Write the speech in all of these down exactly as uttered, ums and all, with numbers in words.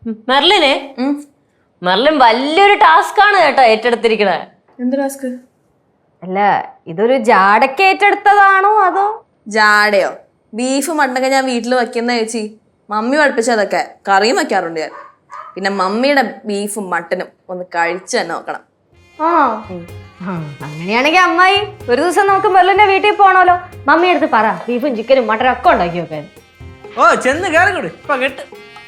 മെർലിനെ Merlin വലിയൊരു task ആണ് കേട്ടോ ഏറ്റെടുത്തിരിക്കണേ. എന്ത് ടാസ്ക്? അല്ല ഇതൊരു ജാടക്ക് ഏറ്റെടുത്തതാണോ അതോ? ജാടയോ? ബീഫ് മട്ടനൊക്കെ ഞാൻ വീട്ടിൽ വെക്കുന്ന ചേച്ചി. മമ്മി പഠിപ്പിച്ചതൊക്കെ കറിയും വെക്കാറുണ്ട് ഞാൻ. പിന്നെ മമ്മിയുടെ ബീഫും മട്ടനും ഒന്ന് കഴിച്ചു തന്നെ നോക്കണം. ആ അങ്ങനെയാണെങ്കിൽ അമ്മായി ഒരു ദിവസം നമുക്ക് മെർലിന്റെ വീട്ടിൽ പോണല്ലോ. മമ്മി അടുത്ത് പറ ബീഫും ചിക്കനും മട്ടനും ഒക്കെ ഉണ്ടാക്കി വെക്കാൻ. ഓ ചെന്ന് കയറിക്കൂട് ഇപ്പൊ കേട്ട്.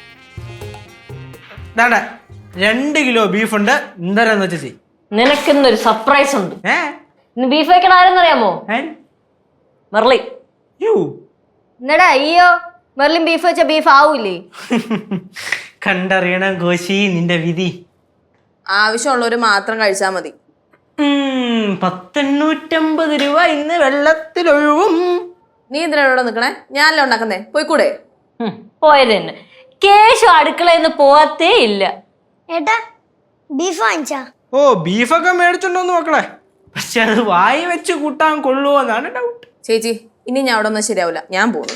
രണ്ട് കിലോ ബീഫ് ഉണ്ട്. എന്തായാലും വെച്ചാ ചെയ്. നിനക്കിന്നൊരു സർപ്രൈസ് ഉണ്ട്. ഏ ഇന്ന് ബീഫ് വെക്കണ ആരെന്നറിയാമോ? മെർലി. എന്നടാ അയ്യോ മെർലിൻ ബീഫ് വെച്ച ബീഫ് ആവൂലേ? കണ്ടറിയണം കോശി നിന്റെ വിധി. ആവശ്യമുള്ളവര് മാത്രം കഴിച്ചാൽ മതി. പത്തെണ്ണൂറ്റമ്പത് രൂപ ഇന്ന് വെള്ളത്തിലൊഴുവും. നീ എന്തിനാ ഇവിടെ നിക്കണേ? ഞാനല്ലേ ഉണ്ടാക്കുന്നേ, പോയിക്കൂടെ? പോയത് തന്നെ. കേശു അടുക്കളയിൽ പോവാത്തേ ഇല്ല. ഏട്ടാ ബീഫ് വാങ്ങിച്ചാ? ഓ ബീഫൊക്കെ മേടിച്ചിട്ടുണ്ടോന്ന് മക്കളെ, പക്ഷെ അത് വായി വെച്ച് കൂട്ടാൻ കൊള്ളുവോന്നാണ് ഡൗട്ട്. ചേച്ചി ഇനി ഞാൻ അവിടെ ഒന്നും ശരിയാവില്ല, ഞാൻ പോകുന്നു.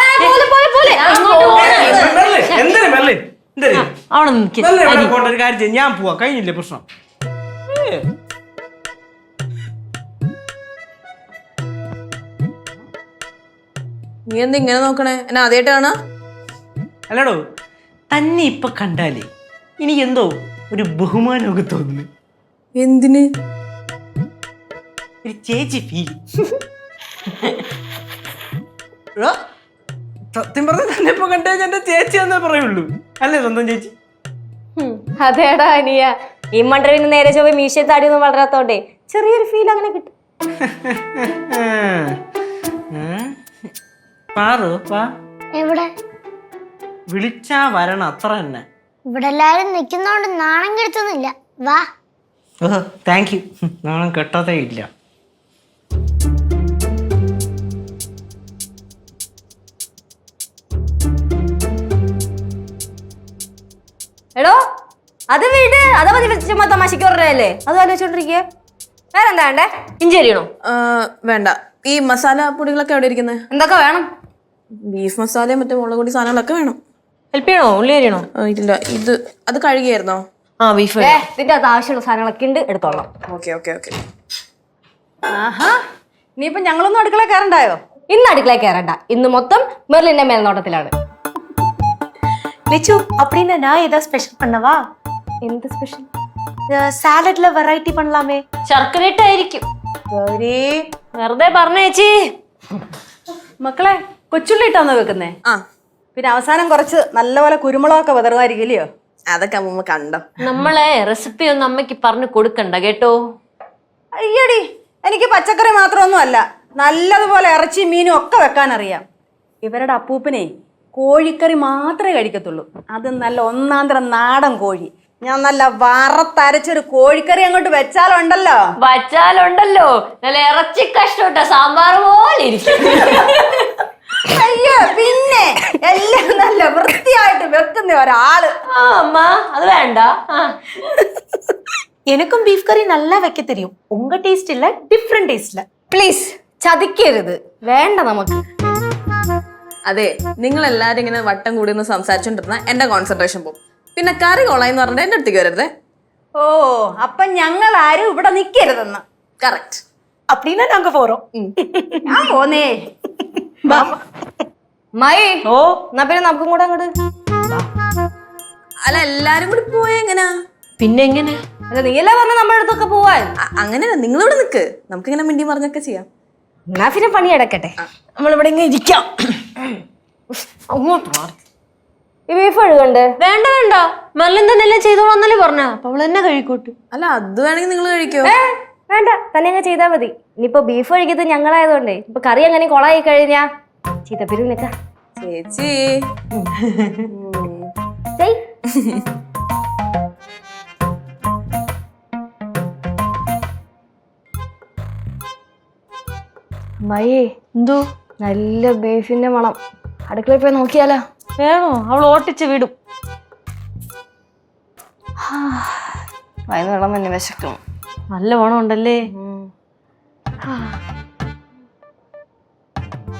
ഒരു കാര്യം ചെയ്യും, ഞാൻ പോവാ. കഴിഞ്ഞില്ലേ പ്രശ്നം? നീ എന്താ ഇങ്ങനെ നോക്കണേ? എന്നെ ആദ്യമായിട്ട് കാണാ? അല്ലടോ തന്നെ ഇപ്പൊ കണ്ടാലേ എനിക്ക് എന്തോ ഒരു ബഹുമാനമൊക്കെ തോന്നുന്നു. എന്തിന്? ഒരു ചേച്ചി ഫീൽ. സത്യം പറഞ്ഞ തന്നെ ഇപ്പൊ കണ്ടു കഴിഞ്ഞാൽ എന്റെ ചേച്ചി എന്നേ പറയുള്ളൂ. അല്ലേ സ്വന്തം ചേച്ചി? അതേടാ അനിയ ഈ മണ്ടവിന് നേരെ ചൊവ്വ മീശ താടിയൊന്നും വളരാത്തോണ്ടേ ചെറിയൊരു ഫീൽ അങ്ങനെ കിട്ടും. പാറു വാ. എവിടെ? വിളിച്ചാ വരണം, അത്ര തന്നെ. ഇവിടെ എല്ലാരും നിക്കുന്നോണ്ട് നാണം കെടുത്തൊന്നുമില്ല. വാ. Oh thank you. നാണം കെട്ടതേ ഇല്ല. എടോ അത് വീട് അതാ മതി ചുമ്മാ തമാശക്ക് പറഞ്ഞല്ലേ, അത് ആലോചിച്ചോണ്ടിരിക്കുക. വേറെന്താ വേണ്ടേ? ഇഞ്ചി അരിയണോ? വേണ്ട. ഈ മസാല പൊടികളൊക്കെ എവിടെ ഇരിക്കുന്നത്? എന്തൊക്കെ വേണം? ബീഫ് മസാലയും മറ്റേ മുളക് പൊടി സാധനങ്ങളൊക്കെ വേണം. ഹെൽപ്പ് ചെയ്യണോ? ഉള്ളി അരിയണോ? ഇല്ല, ഇത് അത് കഴുകിയായിരുന്നോ? ആ ബീഫ്. ഇതിന്റെ അത് ആവശ്യമുള്ള സാധനങ്ങളൊക്കെ ഉണ്ട്, എടുത്തോളാം. Okay okay okay. ആഹാ ഇനിയിപ്പൊ ഞങ്ങളൊന്നും അടുക്കള കയറണ്ടായോ? ഇന്ന് അടുക്കള കയറണ്ട, ഇന്ന് മൊത്തം മെർലിന്റെ മേൽനോട്ടത്തിലാണ്. லிச்சு அப்படின்னா நான் ஏதாவது ஸ்பெஷல் பண்ணவா? എന്ത് സ്പെഷ്യൽ? സാലഡ്ல വെറൈറ്റി பண்ணலாமே. ശർക്കര ഇട്ടായിരിക്കും. വെറുതെ പറഞ്ഞേച്ചി. മക്കളെ കൊച്ചുള്ളി ഇട്ടാന്നോ വെക്കുന്നേ? ആ പിന്നെ അവസാനം കുറച്ച് നല്ലപോലെ കുരുമുളകൊക്കെ വിതറുമായിരിക്കില്ലയോ? അതൊക്കെ അമ്മ കണ്ടോ. നമ്മളെ റെസിപ്പി ഒന്നും അമ്മയ്ക്ക് പറഞ്ഞു കൊടുക്കണ്ട കേട്ടോ. അയ്യടി എനിക്ക് പച്ചക്കറി മാത്രമൊന്നും അല്ല, നല്ലതുപോലെ ഇറച്ചി മീനും ഒക്കെ വെക്കാൻ അറിയാം. ഇവരുടെ അപ്പൂപ്പനെ കോഴിക്കറി മാത്രമേ കഴിക്കത്തുള്ളൂ. അത് നല്ല ഒന്നാന്തരം നാടൻ കോഴി. ഞാൻ നല്ല വറത്തരച്ചൊരു കോഴിക്കറി അങ്ങോട്ട് വെച്ചാലുണ്ടല്ലോ വച്ചാലുണ്ടല്ലോ നല്ല ഇറച്ചി കഷ്ടോട്ട സാമ്പാർ പോലെ ഇരിക്കും. അയ്യോ പിന്നെ എല്ലാം നല്ല വൃത്തിയായിട്ട് വെക്കുന്ന ഒരാള്. ആ അമ്മ അത് വേണ്ട. எனக்கும் பீஃப் கறி நல்லா வைக்க தெரியும். உங்க டேஸ்ட் இல்ல, டிஃபரண்ட் டேஸ்ட்ல. പ്ലീസ് ചതിക്കരുത്, വേണ്ട നമുക്ക്. അതെ, നിങ്ങൾ എല്ലാരും ഇങ്ങനെ വട്ടം കൂടി ഒന്ന് സംസാരിച്ചോണ്ടിരുന്ന എന്റെ കോൺസെൻട്രേഷൻ പോകും. പിന്നെ കറി കൊള്ളാന്ന് പറഞ്ഞിട്ട് എന്റെ അടുത്തേക്ക് വരരുതേ. ഓ അപ്പൊ ഞങ്ങൾ ആരും ഇവിടെ നിക്കരുതെന്ന്. കറക്റ്റ്. அப்படின்னா நாங்க போறோம். ഞാൻ പോന്നേ. മായി ഓ എന്നാ പിന്നെ നമുക്കും കൂടെ അങ്ങോട്ട്. അല്ല എല്ലാരും കൂടി പോയ എങ്ങനാ? പിന്നെ എങ്ങനെ? അല്ല നീയല്ലേ പറഞ്ഞ നമ്മുടെ അടുത്തൊക്കെ പോവാൻ. അങ്ങനെയല്ല, നിങ്ങളിവിടെ നിക്ക്, നമുക്കിങ്ങനെ മിണ്ടി പറഞ്ഞൊക്കെ ചെയ്യാം. എന്നാ പിന്നെ പണി അടക്കട്ടെ, നമ്മളിവിടെ ഇങ്ങനെ ഇരിക്കാം. ഈ ബീഫ് കഴുകണ്ട്? വേണ്ട വേണ്ട, മെർലിൻ തന്നെ എല്ലാം ചെയ്തോളാന്നല്ലേ പറഞ്ഞ. അപ്പൊ അവൾ തന്നെ കഴിക്കോട്ട്. അല്ല അത് വേണമെങ്കിൽ നിങ്ങൾ കഴിക്കോ? വേണ്ട, തന്നെ അങ്ങ് ചെയ്താ മതി. ഇനിയിപ്പോ ബീഫ് കഴിക്കുന്നത് ഞങ്ങളായതുകൊണ്ടേ ഇപ്പൊ കറി അങ്ങനെ കൊളായി കഴിഞ്ഞാ ചീത്തപ്പേര് നിക്ക. ചേച്ചി മയേ എന്തോ നല്ല ബീഫിന്റെ മണം. അടുക്കളയിൽ പോയി നോക്കിയാലോ? വേണോ? അവൾ ഓട്ടിച്ച് വിടും. വയന്ന് വെള്ളം തന്നെ വിശക്കും. നല്ല മണം ഉണ്ടല്ലേ.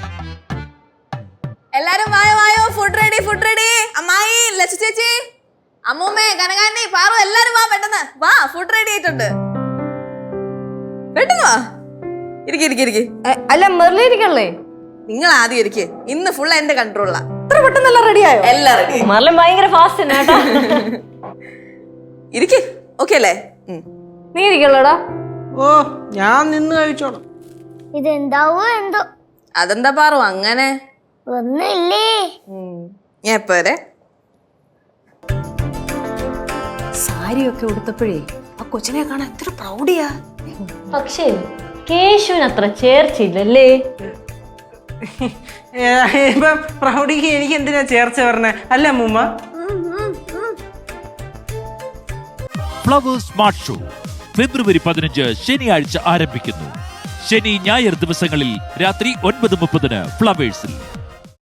എല്ലാരും വായോ വായോ, ഫുഡ് റെഡി ഫുഡ് റെഡി. അമ്മായി, ലച്ചു ചേച്ചി അമ്മൂമ്മേ കനകാന്റി പാറു എല്ലാരും വാ പെട്ടെന്ന് വാ ഫുഡ് റെഡി ആയിട്ടുണ്ട് പെട്ടെന്ന് വാ ഇരിക്കി ഇരിക്കി ഇരിക്കി എ, അല്ല മെർലിരിക്കല്ലേ? നിങ്ങൾ ആദ്യം ഇരിക്കേ ഇന്ന് ഫുൾ എന്റെ കൺട്രോളിലാ ഇത്ര പെട്ടെന്നെല്ലാം റെഡിയായോ? എല്ലാം റെഡി മെർലിൻ ഭയങ്കര ഫാസ്റ്റ് തന്നെ കേട്ടോ. ഇരിക്കേ ഓക്കെ അല്ലേ ഉം. നീ ഇരിക്കല്ലോടാ. ഓ ഞാൻ നിന്ന് കഴിച്ചോളാം. ഇതെന്താവോ എന്തോ അതെന്താ പാറു അങ്ങനെ ഒന്നുമില്ലേ. ഉം. ഞാൻ എപ്പോ വരെ സാരിയൊക്കെ ഉടുത്തപ്പോഴേ ആ കൊച്ചിനെ കാണാൻ എത്ര പ്രൗഡിയാ. പക്ഷേ കേശുവിന് അത്ര ചേർച്ചയില്ലല്ലേ? ഏ, ഇപ്പം പ്രൗഢിക്ക് എനിക്ക് എന്തിനാ ചേർച്ച പറഞ്ഞേ അല്ല അമ്മൂമ്മ? ഫ്ലവേഴ്സ് സ്മാർട്ട് ഷോ ഫെബ്രുവരി പതിനഞ്ച് ശനിയാഴ്ച ആരംഭിക്കുന്നു. ശനി ഞായർ ദിവസങ്ങളിൽ രാത്രി ഒൻപത് മുപ്പതിന് ഫ്ലവേഴ്സിൽ.